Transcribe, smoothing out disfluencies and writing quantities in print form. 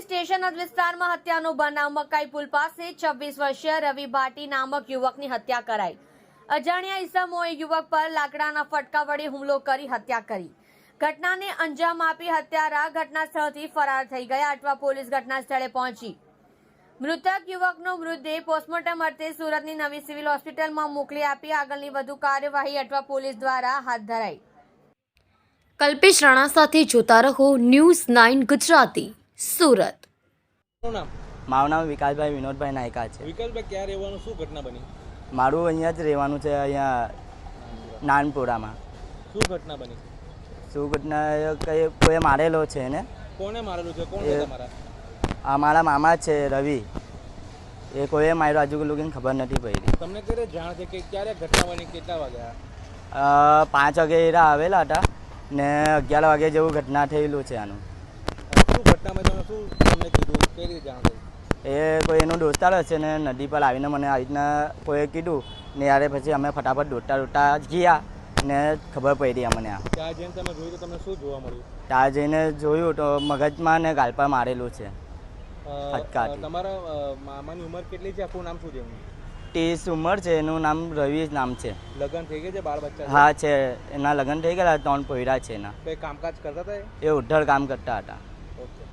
Station વિસ્તારમાં હત્યાનો બનાવ મકાઈ પુલ પાસે 26 વર્ષીય રવિ ભાટી નામક યુવકની હત્યા કરાઈ। અજાણ્યા ઈસમોએ યુવક પર લાકડાના ફટકા વડે હુમલો કરી હત્યા કરી। ઘટનાને અંજામ આપી હત્યારા ઘટના સ્થળથી ફરાર થઈ ગયા। અટવા પોલીસ ઘટના સ્થળે પહોંચી મૃતક યુવકનો મૃતદેહ પોસ્ટમોર્ટમ અર્થે સુરતની નવી સિવિલ હોસ્પિટલમાં મોકલી આપી આગળની વધુ કાર્યવાહી અટવા પોલીસ દ્વારા હાથ ધરાઈ। કલ્પેશ રાણા સાથે જોતા રહો ન્યૂઝ 9 ગુજરાતી સુરત। મારું નામ વિકાસભાઈ વિનોદભાઈ નાયકા છે। વિકાસભાઈ ક્યાં રહેવાનું, શું ઘટના બની? મારું અહીંયા જ રહેવાનું છે, અહીંયા નાનપુરામાં। શું ઘટના બની? શું ઘટના કઈ કોઈ મારેલો છે ને? કોને મારેલું છે? કોણ છે તમારા? અમારા મામા છે રવિ, એ કોઈએ માર્યો આજુ લોકોને ખબર નથી પડી। તમને ક્યારે જાણ છે કે ક્યારે ઘટના બની, કેટલા વાગ્યા? 5 વાગે એરા આવેલા હતા ને 11 વાગે જેવું ઘટના થયેલું છે આનું। શું ઘટનામાં તમે શું તમને કીધું, કઈ રીતે જાણ થઈ? એ કોઈ એનો દોસ્તાર હશે ને નદી પર આવીને મને આવી રીતના કોઈએ કીધું ને યારે પછી અમે ફટાફટ દોડતા ગયા ને ખબર પડી અમને। આ ત્યાં જઈને તમે જોયું તો તમને શું જોવા મળ્યું? ત્યાં જઈને જોયું તો મગજમાં ને ગાલ પર મારેલું છે ફટકાથી। તમારા મામાની ઉંમર કેટલી છે? આખું નામ શું છે? 30 ઉંમર છે, એનું નામ રવિ નામ છે। લગ્ન થઈ ગયા છે? બાળ બચ્ચા? હા છે, એના લગ્ન થઈ ગયેલા, 3 પોયરા છે એના। કંઈ કામકાજ કરતા હતા? એ ઉદ્ધર કામ કરતા હતા।